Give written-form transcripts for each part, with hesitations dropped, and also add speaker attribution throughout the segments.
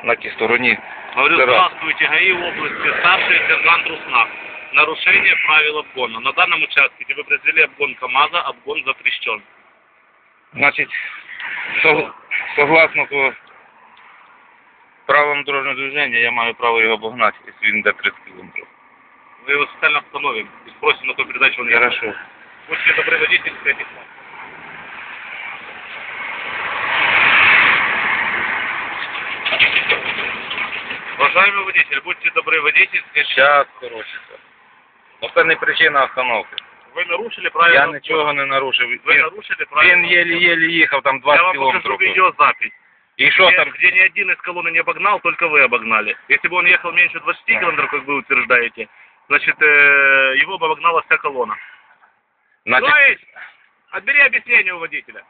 Speaker 1: на тій стороні.
Speaker 2: Говорю, здравствуйте, ГАИ области, старший сержант Руснак. Нарушение правил обгона. На данном участке, где вы произвели обгон КамАЗа, обгон запрещен.
Speaker 1: Значить, согласно по правилам дорожнього движення, я маю право його обогнати, якщо він йде 30 км.
Speaker 2: Мы его специально остановим и спросим на ту передачу, он не
Speaker 1: Хорошо.
Speaker 2: Будьте добры, водительское письмо. Уважаемый водитель, будьте добры, водительское письмо.
Speaker 1: Час коротше. Ну це не причина остановки.
Speaker 2: Вы нарушили правила
Speaker 1: Я
Speaker 2: обгона.
Speaker 1: нічого не нарушив.
Speaker 2: Вы нарушили правила
Speaker 1: Він єлі-єлі їхав там 20
Speaker 2: Я вам покажу
Speaker 1: км.
Speaker 2: видеозапись.
Speaker 1: І що там?
Speaker 2: Где ни один из колонны не обогнал, только вы обогнали. Если бы он ехал меньше 20 км, как вы утверждаете, значит, его бы обогнала вся колонна.
Speaker 1: Значить,
Speaker 2: То есть, отбери объяснение у водителя.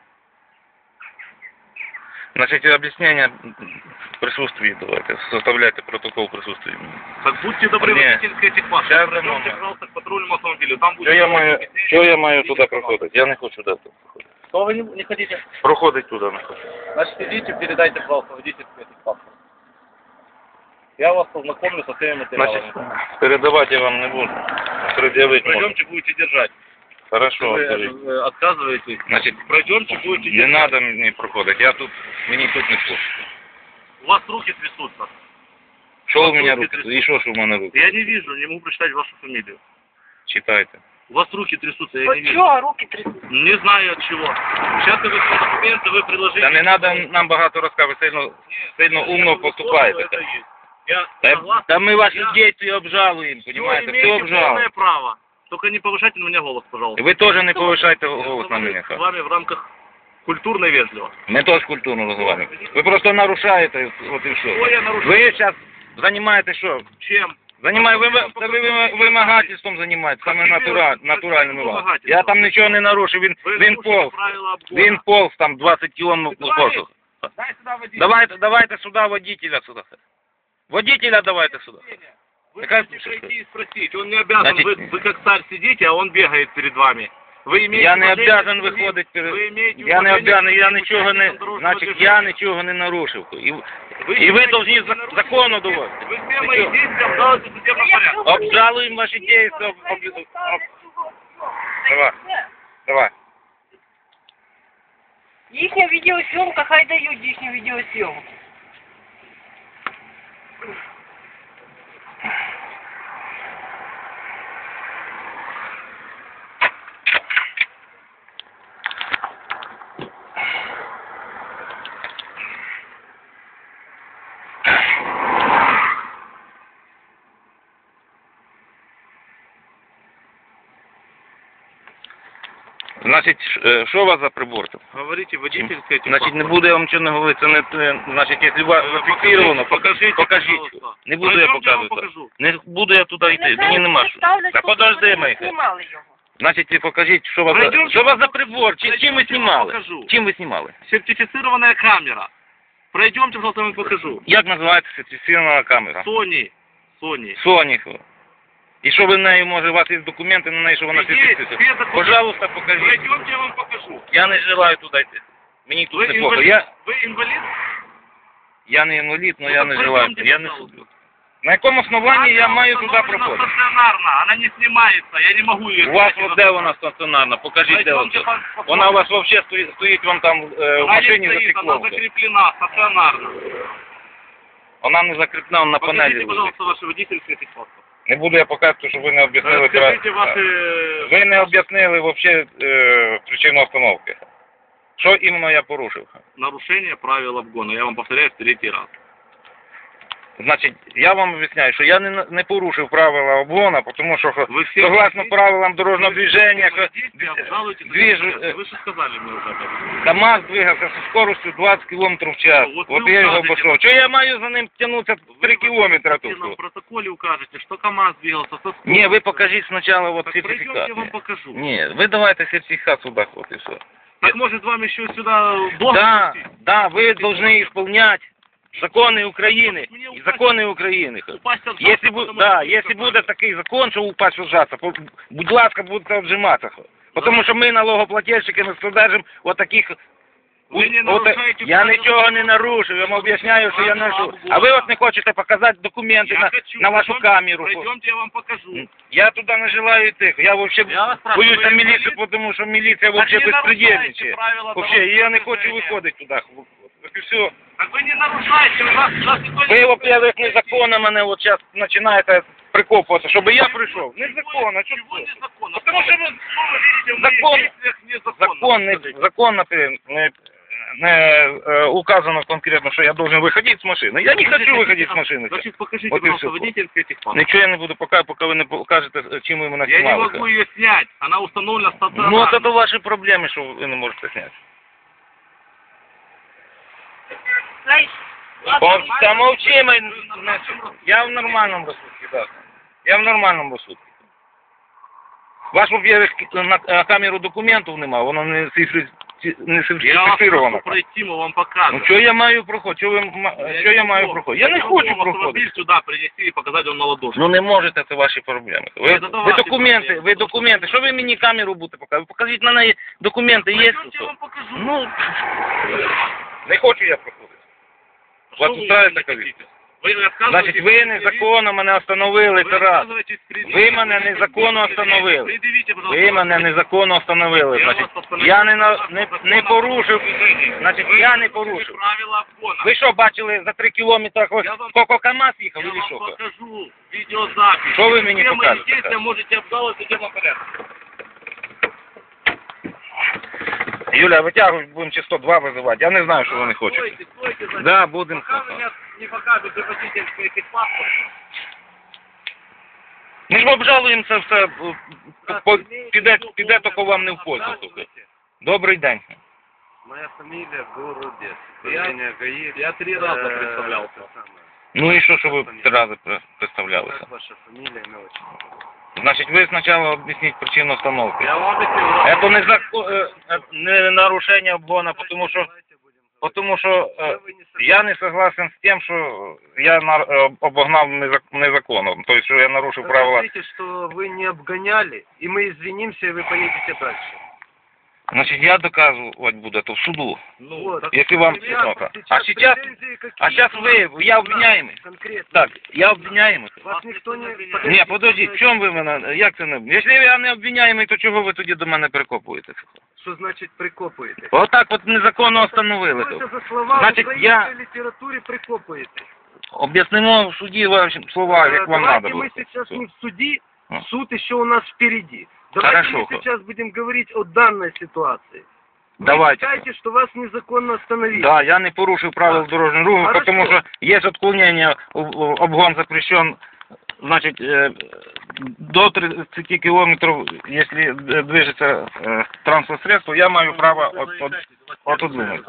Speaker 1: значить, об'яснення в присутствии давайте. Составляйте протокол присутствия.
Speaker 2: Так будьте добры,
Speaker 1: Не.
Speaker 2: водительское техпаспорт.
Speaker 1: Сейчас
Speaker 2: Пройдемте,
Speaker 1: дамо.
Speaker 2: пожалуйста, к патрульному автомобилю. Там будет...
Speaker 1: Що я маю туди проходити? Я не хочу туди проходити.
Speaker 2: Что вы не хотите?
Speaker 1: Проходить туди не хочу.
Speaker 2: Значит, идите, передайте, пожалуйста, водительское техпаспорт. Я вас познакомлю со всеми материалами.
Speaker 1: Значить, передавати я вам не буду. Пред'явити можу.
Speaker 2: Пройдемте, будете держать.
Speaker 1: Хорошо,
Speaker 2: Вы
Speaker 1: отберіть.
Speaker 2: отказываетесь.
Speaker 1: Значить,
Speaker 2: Пройдемте, будете
Speaker 1: не
Speaker 2: держать.
Speaker 1: треба мені проходити. Мені тут не слухаю.
Speaker 2: У вас руки трясутся.
Speaker 1: Що у мене руки? І що ж у мене руки?
Speaker 2: Я не вижу, не могу прочитать вашу фамилию.
Speaker 1: Читайте.
Speaker 2: У вас руки трясутся, я не
Speaker 3: От
Speaker 2: вижу.
Speaker 3: чого руки трясуться?
Speaker 2: Не знаю от чего. Сейчас вы свои документы, вы приложите...
Speaker 1: Та не треба нам багато розказувати, сильно умно поступаєте.
Speaker 2: Я
Speaker 1: Та, та ми ваші дії обжалуємо, розумієте? Все
Speaker 2: имеете
Speaker 1: обжалуємо.
Speaker 2: полное право. Только не повышайте на меня голос, пожалуйста.
Speaker 1: Ви теж не повишайте голос на
Speaker 2: Я
Speaker 1: мене.
Speaker 2: с вами в рамках культурно и вежливо.
Speaker 1: Ми теж культурно розмовляємо. Ви просто нарушаєте, от і
Speaker 2: Что
Speaker 1: все.
Speaker 2: я нарушаю?
Speaker 1: Ви зараз займаєтесь що?
Speaker 2: Чем?
Speaker 1: Ви вимагательством займаєтесь, саме натуральним вам. Я там нічого не нарушив, він
Speaker 2: нарушили
Speaker 1: полз.
Speaker 2: правила обгона.
Speaker 1: Він полз там 20 кілометрів полз.
Speaker 2: Дай сюда водителя.
Speaker 1: Давайте сюди водителя сюди. Водителя давайте сюди.
Speaker 2: Вы
Speaker 1: Какая
Speaker 2: можете
Speaker 1: пушка?
Speaker 2: пройти и спросить. Он не обязан.
Speaker 1: Значит,
Speaker 2: Вы как царь сидите, а он бегает перед вами. Вы имеете
Speaker 1: Я не
Speaker 2: уважение
Speaker 1: обязан
Speaker 2: к себе,
Speaker 1: виходити перед...
Speaker 2: вы имеете
Speaker 1: Я не
Speaker 2: уважение
Speaker 1: обязан,
Speaker 2: к
Speaker 1: я
Speaker 2: всем
Speaker 1: нічого не...
Speaker 2: участникам дорожного
Speaker 1: Значить,
Speaker 2: движения.
Speaker 1: я нічого не нарушив. І ви
Speaker 2: считаете,
Speaker 1: повинні
Speaker 2: что вы
Speaker 1: закону
Speaker 2: нарушили?
Speaker 1: доводити.
Speaker 2: Вы все мои действия обжалуете в судебном порядке.
Speaker 1: Обжалуємо ваші дії. Давай.
Speaker 3: Їхня відеосйомка, хай дають їхню відеосйомку.
Speaker 1: Значить, що у вас за прибор там?
Speaker 2: Говорите, водительское
Speaker 1: Значить, не буду я вам нічого не говорити, це не... Значить, якщо у вас зафіксировано, покажіть.
Speaker 2: пожалуйста.
Speaker 1: Не буду я
Speaker 2: Пойдемте, я вам
Speaker 1: показувати.
Speaker 2: покажу.
Speaker 1: Не буду я туди йти, мені нема що. Та подожди, Михайло.
Speaker 3: Знімали його.
Speaker 1: Значить, покажіть, що у вас за...
Speaker 2: Пройдемте,
Speaker 1: Що у вас за прибор? Чим ви
Speaker 2: Пройдемте,
Speaker 1: знімали?
Speaker 2: покажу.
Speaker 1: Чим ви знімали?
Speaker 2: Сертифицированная камера. Пройдемте, пожалуйста, я вам покажу.
Speaker 1: Як називається сертифікована камера?
Speaker 2: Sony.
Speaker 1: Sony. І що ви нею, може, у вас є документи на неї, що вона
Speaker 2: Є,
Speaker 1: сертифікована?
Speaker 2: є документи.
Speaker 1: Пожалуйста, покажіть.
Speaker 2: Пройдемте, я вам покажу.
Speaker 1: Я не желаю туди йти. Мені тут
Speaker 2: Вы
Speaker 1: не плохо.
Speaker 2: инвалид? Вы инвалид?
Speaker 1: Я не інвалід, але
Speaker 2: Ну,
Speaker 1: я
Speaker 2: так
Speaker 1: не
Speaker 2: пройдемте,
Speaker 1: желаю. Я не
Speaker 2: пожалуйста.
Speaker 1: суджу. На якому основанні я маю туди
Speaker 2: Она
Speaker 1: проходити?
Speaker 2: стационарно, она не снимается, я не могу ее
Speaker 1: У вас
Speaker 2: снять.
Speaker 1: от де вона стаціонарна? Покажіть, де
Speaker 2: Пройдемте,
Speaker 1: вона.
Speaker 2: посмотрим.
Speaker 1: Вона у вас взагалі стоїть вам там в
Speaker 2: Она не
Speaker 1: машині
Speaker 2: стоит, она
Speaker 1: зафіксована.
Speaker 2: закреплена стационарно.
Speaker 1: Вона не закріплена на панелі.
Speaker 2: Покажите, пожалуйста, ваше водительское техпаспорт.
Speaker 1: Не буду я показувати, щоб ви не об'яснили.
Speaker 2: Расскажите ваши...
Speaker 1: Ви не об'яснили взагалі причину остановки. Що іменно я порушив?
Speaker 2: Нарушение правил обгона. Я вам повторяю в 3-й раз.
Speaker 1: Значить, я вам об'ясняю, що я не порушив правила обгону, тому що
Speaker 2: Ви всі
Speaker 1: согласно
Speaker 2: водіть?
Speaker 1: правилам дорожнього движення,
Speaker 2: Вы же сказали мне уже об этом.
Speaker 1: КамАЗ двигався зі скоростю 20 км в час.
Speaker 2: От
Speaker 1: От
Speaker 2: ви
Speaker 1: я його
Speaker 2: вказуєте.
Speaker 1: обійшов. Чого я маю за ним тягнутися 3 кілометри
Speaker 2: Вы нам
Speaker 1: тут?
Speaker 2: в протоколе укажете, что КамАЗ двигался со скоростью.
Speaker 1: Ні, ви покажіть спочатку от
Speaker 2: Так пройдемте,
Speaker 1: сертифікат.
Speaker 2: я вам покажу.
Speaker 1: Ні, ви давайте сертифікат сюди, от і все.
Speaker 2: Так может вам еще сюда блок
Speaker 1: Да,
Speaker 2: спустить?
Speaker 1: да, вы должны исполнять законы Украины и законы України.
Speaker 2: Упасть от
Speaker 1: Если,
Speaker 2: жаба, потому
Speaker 1: да,
Speaker 2: что
Speaker 1: если буде такий закон, що упасть вжаться, будь ласка, будете отжиматися. Тому що ми, налогоплательщики, не содержимо
Speaker 2: Ви не
Speaker 1: От,
Speaker 2: нарушаєте
Speaker 1: я
Speaker 2: правила
Speaker 1: нічого не
Speaker 2: обгону.
Speaker 1: нарушив, я вам об'ясняю, що я
Speaker 2: Правила
Speaker 1: нарушив.
Speaker 2: обгону.
Speaker 1: А ви от не хочете показати документи
Speaker 2: Я хочу.
Speaker 1: на вашу камеру.
Speaker 2: Пройдемте, я вам покажу.
Speaker 1: Я туди не желаю йти. Я вообще
Speaker 2: Я вас спрашиваю,
Speaker 1: боюся
Speaker 2: ви
Speaker 1: міліцію,
Speaker 2: інвалід?
Speaker 1: тому що міліція вообще
Speaker 2: Так не
Speaker 1: безпредельничає.
Speaker 2: нарушайте правила
Speaker 1: Вообще, я не
Speaker 2: дорожнього
Speaker 1: хочу
Speaker 2: движения.
Speaker 1: виходити туди. Так і все.
Speaker 2: Так вы не нарушаете, у нас никто
Speaker 1: Ви,
Speaker 2: не...
Speaker 1: во-первых, незаконно мене от зараз починаєте прикопувати, щоб я прийшов. Незаконно,
Speaker 2: Чего
Speaker 1: чого?
Speaker 2: незаконно?
Speaker 1: Потому что
Speaker 2: вы снова видите в
Speaker 1: закон-
Speaker 2: моих действиях незаконно.
Speaker 1: Законно не указано конкретно, що я должен виходити з машини. Я не хочу виходити з машини.
Speaker 2: Значит, покажите,
Speaker 1: Вот и
Speaker 2: пожалуйста,
Speaker 1: всё.
Speaker 2: водительский техпаспорт.
Speaker 1: Нічого я не буду поки ви не покажете, чим ви мене
Speaker 2: Я не
Speaker 1: знімали.
Speaker 2: могу ее снять, она установлена стационарно.
Speaker 1: Ну, це ваші проблеми, що ви не можете зняти. Та мовчи, я в нормальному розсудку, так. Я в нормальному розсудку. Ваш, во-первых, на камеру документів немає, воно не
Speaker 2: Я вас
Speaker 1: сертифіковано.
Speaker 2: прошу пройти, мы вам
Speaker 1: Ну,
Speaker 2: покажем.
Speaker 1: що я маю проходити? Що я маю проходити? Я не хочу проходити.
Speaker 2: Автомобиль сюда принести и показать вам на ладошку.
Speaker 1: Ну не можете, це ваші проблеми.
Speaker 2: Це
Speaker 1: Ви
Speaker 2: ваші
Speaker 1: документи,
Speaker 2: проблеми.
Speaker 1: Що ви мені камеру будете показувати? Покажіть на неї документи, є?
Speaker 2: Пойдемте, я вам покажу.
Speaker 1: Ну, не хочу я проходити.
Speaker 2: Что
Speaker 1: вас
Speaker 2: вы
Speaker 1: устраивает
Speaker 2: не
Speaker 1: такая
Speaker 2: хотите? Вы отказываетесь
Speaker 1: Значить, ви незаконно мене остановили,
Speaker 2: Вы
Speaker 1: це раз.
Speaker 2: отказываетесь предъявить.
Speaker 1: Ви мене незаконно остановили.
Speaker 2: Предъявите, пожалуйста,
Speaker 1: Ви мене незаконно остановили.
Speaker 2: Я
Speaker 1: Значить,
Speaker 2: вас постановив
Speaker 1: я не
Speaker 2: законом
Speaker 1: порушив.
Speaker 2: про движення.
Speaker 1: Значить,
Speaker 2: Ви
Speaker 1: я не
Speaker 2: порушили
Speaker 1: порушив.
Speaker 2: правила обгону.
Speaker 1: Ви що, бачили за 3 кілометри,
Speaker 2: Я вам-
Speaker 1: скільки КамАЗ їхав,
Speaker 2: Я
Speaker 1: или
Speaker 2: вам
Speaker 1: що?
Speaker 2: покажу видеозапись.
Speaker 1: Що ви мені
Speaker 2: Все мои
Speaker 1: покажете?
Speaker 2: действия можете обжаловать в судебном порядке.
Speaker 1: Юля, витягуй, будемо чи 102 визивати. Я не знаю, що вони хочуть.
Speaker 2: Стойте, стойте, значит.
Speaker 1: Да, будемо.
Speaker 2: Пока вы мне не покажете водительский техпаспорт.
Speaker 1: Ми ж обжалуємо це все, піде тільки вам не в пользу. слухай. Добрий день.
Speaker 4: Моя фамилия Городец.
Speaker 2: Я 3 раза представлялся.
Speaker 1: Ну і що ви 3 рази представлялися?
Speaker 4: Как ваша фамилия, имя, отчество?
Speaker 1: Значить, ви спочатку об'ясніть причину остановки.
Speaker 2: Я вам объяснил.
Speaker 1: Це не нарушення обгону, тому що я не согласен з тим, що я обогнав незаконно. Тобто, що я нарушив правила.
Speaker 4: Скажите, что вы не обгоняли, и мы извинимся, и вы поедете дальше.
Speaker 1: Значить, я доказувати буду то в суду.
Speaker 2: Ну,
Speaker 4: Вот.
Speaker 2: так
Speaker 1: Якщо вам
Speaker 4: Сейчас-
Speaker 1: цікаво.
Speaker 4: сейчас претензии какие?
Speaker 1: Я обвиняємий.
Speaker 4: Конкретно.
Speaker 1: Так, я обвиняємий.
Speaker 4: Вас никто не...
Speaker 1: Ні, подождіть, в чому ви мене, як це не... Якщо я не обвиняємий, то чого ви тоді до мене прикопуєте?
Speaker 4: Что значит прикопуете?
Speaker 1: Отак от незаконно встановили.
Speaker 4: Что это за слова
Speaker 1: Значит,
Speaker 4: в украинской
Speaker 1: я-
Speaker 4: литературе прикопуете?
Speaker 1: Об'яснимо в суді ваші слова, як вам
Speaker 4: Давайте
Speaker 1: треба
Speaker 4: мы
Speaker 1: було.
Speaker 4: сейчас не в суде,
Speaker 1: А.
Speaker 4: суд еще у нас впереди. Давайте
Speaker 1: Хорошо.
Speaker 4: мы сейчас будем говорить о данной ситуации. Вы
Speaker 1: Давайте.
Speaker 4: считаете, что вас незаконно остановили?
Speaker 1: Да, я не порушив правил дорожнього руху,
Speaker 4: Хорошо.
Speaker 1: тому що є відклонення, обгон запрещен, значить, до 30 кілометрів, якщо движеться транспортне средство, я маю право отодвинути.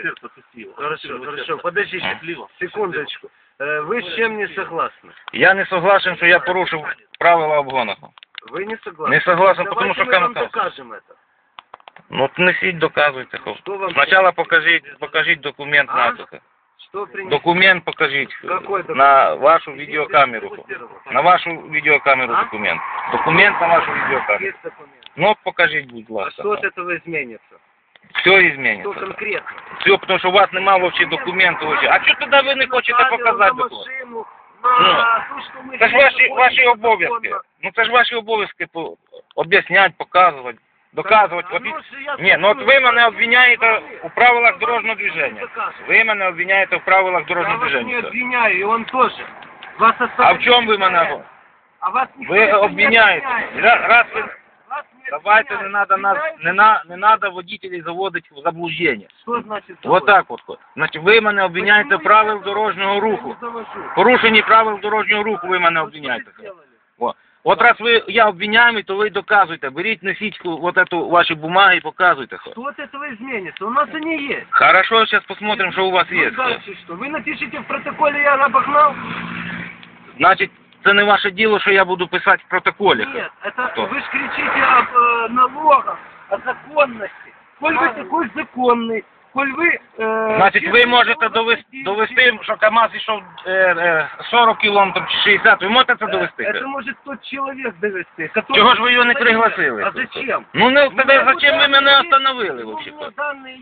Speaker 4: Хорошо, подождите, секундочку. Вы с чем не согласны?
Speaker 1: Я не согласен, що я порушив правила обгону.
Speaker 4: Вы не согласны?
Speaker 1: Не согласен,
Speaker 4: Давайте
Speaker 1: потому что
Speaker 4: мы вам
Speaker 1: камера-
Speaker 4: докажем это.
Speaker 1: Ну, несіть, доказуйте.
Speaker 4: Что вам...
Speaker 1: Спочатку покажіть документ
Speaker 4: А?
Speaker 1: на це.
Speaker 4: Что принести?
Speaker 1: Документ покажіть
Speaker 4: Какой документ?
Speaker 1: на вашу відеокамеру. На вашу відеокамеру
Speaker 4: А?
Speaker 1: документ. Документ на вашу відеокамеру.
Speaker 4: Есть документ.
Speaker 1: Ну, покажіть, будь
Speaker 4: А
Speaker 1: ласка.
Speaker 4: что от этого изменится?
Speaker 1: Все
Speaker 4: Что
Speaker 1: зміниться.
Speaker 4: конкретно?
Speaker 1: Все, тому що у вас немає взагалі документів. вообще. А що тоді ви не хочете показати
Speaker 4: на
Speaker 1: документ?
Speaker 4: машину, на то, что мы...
Speaker 1: Це ж ваші обов'язки. Ну це ж ваші обов'язки об'ясняти, показувати, доказувати. От і- Ні, ну от ви мене обвиняєте у правилах дорожнього движення. Ви мене обвиняєте в правилах
Speaker 4: Я
Speaker 1: дорожнього
Speaker 4: вас не
Speaker 1: движення.
Speaker 4: обвиняю, и он тоже. Вас
Speaker 1: А в чому ви мене?
Speaker 4: А вас никто
Speaker 1: Ви
Speaker 4: не
Speaker 1: обвиняєте.
Speaker 4: обвиняет.
Speaker 1: Раз ви...
Speaker 4: Вас не
Speaker 1: Давайте не
Speaker 4: обвиняют.
Speaker 1: надо нас,
Speaker 4: Обвиняют?
Speaker 1: не надо водителей заводити в заблуждення.
Speaker 4: Что значит
Speaker 1: Вот так от. Значить, ви мене обвиняєте в правил дорожнього руху. Порушенні правил дорожнього руху ви мене обвиняєте. О. От раз я обвиняємий, то ви доказуйте. Беріть, носіть вот эту ваші бумаги і показуйте.
Speaker 4: Что от этого изменится? У нас они есть.
Speaker 1: Хорошо, сейчас посмотрим, что у вас
Speaker 4: Ну,
Speaker 1: есть.
Speaker 4: дальше что? Вы напишите в протоколе, я обогнал?
Speaker 1: Значить, це не ваше діло, що я буду писати в протоколі.
Speaker 4: Нет, это
Speaker 1: Что?
Speaker 4: вы же кричите об налогах, о законности. Коль вы такой законный, коль вы...
Speaker 1: Значить, ви можете довести, що КамАЗ йшов 40 кілометрів чи 60, ви можете це довести?
Speaker 4: Это может тот человек довести, который...
Speaker 1: Чого ж ви його не пригласили?
Speaker 4: А зачем?
Speaker 1: Ну, не,
Speaker 4: У меня
Speaker 1: зачем ви
Speaker 4: вот
Speaker 1: мене
Speaker 4: данные
Speaker 1: остановили
Speaker 4: есть,
Speaker 1: вообще?
Speaker 4: у меня данные есть,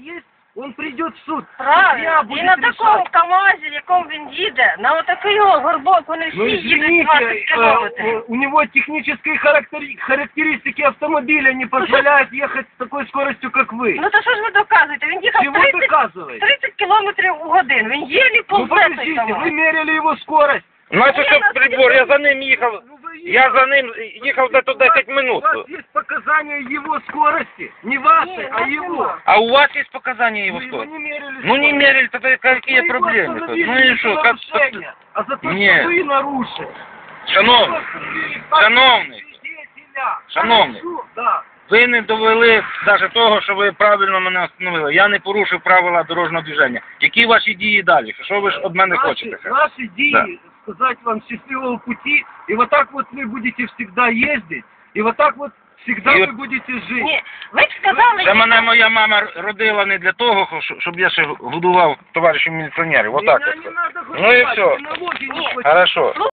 Speaker 4: он придет в суд.
Speaker 3: Правильно.
Speaker 4: Судья
Speaker 3: І
Speaker 4: будет
Speaker 3: на такому
Speaker 4: решать.
Speaker 3: КамАЗі, в якому він їде, на отакий його горбок, вони всі
Speaker 4: Ну
Speaker 3: їдуть 20
Speaker 4: извините,
Speaker 3: кілометрів.
Speaker 4: у него технические характеристики автомобиля не позволяют ехать с такой скоростью, как вы.
Speaker 3: Ну то що ж ви доказуєте? Він їхав
Speaker 4: Чего
Speaker 3: 30
Speaker 4: доказываете?
Speaker 3: 30 кілометрів у годину. Він єлі
Speaker 4: Ну
Speaker 3: повзе той
Speaker 4: подождите,
Speaker 3: КамАЗ.
Speaker 4: вы мерили его скорость.
Speaker 1: Значить, що прибор, я за ним їхав.
Speaker 4: Ну, вы
Speaker 1: Я за ним їхав десь 10 минут.
Speaker 4: У вас есть показания его скорости. Не вашей, а его.
Speaker 1: А у вас є показання його
Speaker 4: Вы его
Speaker 1: скорости?
Speaker 4: не мерили
Speaker 1: Ну не
Speaker 4: скорость.
Speaker 1: мерили, тогда какие
Speaker 4: Вы его
Speaker 1: проблемы?
Speaker 4: остановили
Speaker 1: Ну и
Speaker 4: не
Speaker 1: что,
Speaker 4: за
Speaker 1: как...
Speaker 4: нарушение, а за то,
Speaker 1: Не.
Speaker 4: что вы нарушили.
Speaker 1: Шановний, шановний, шановний.
Speaker 4: Да.
Speaker 1: ви не довели навіть того, що ви правильно мене остановили. Я не порушив правила дорожнього движення. Які ваші дії далі? Що ви ж від мене хочете?
Speaker 4: Наши идеи, сказать вам счастливого пути, и вот так вот вы будете всегда ездить, и вот так вот всегда
Speaker 1: И
Speaker 4: вы
Speaker 1: вот-
Speaker 4: будете жить.
Speaker 3: Ні, ви б сказали,
Speaker 1: Це мене моя мама родила не для того, щоб я ще годував товаришів міліціонерів. Отак
Speaker 4: Меня
Speaker 1: от.
Speaker 4: не надо
Speaker 1: Ну и
Speaker 4: гулять,
Speaker 1: всё.
Speaker 4: налоги не
Speaker 3: Нет.
Speaker 4: платить.
Speaker 1: Хорошо.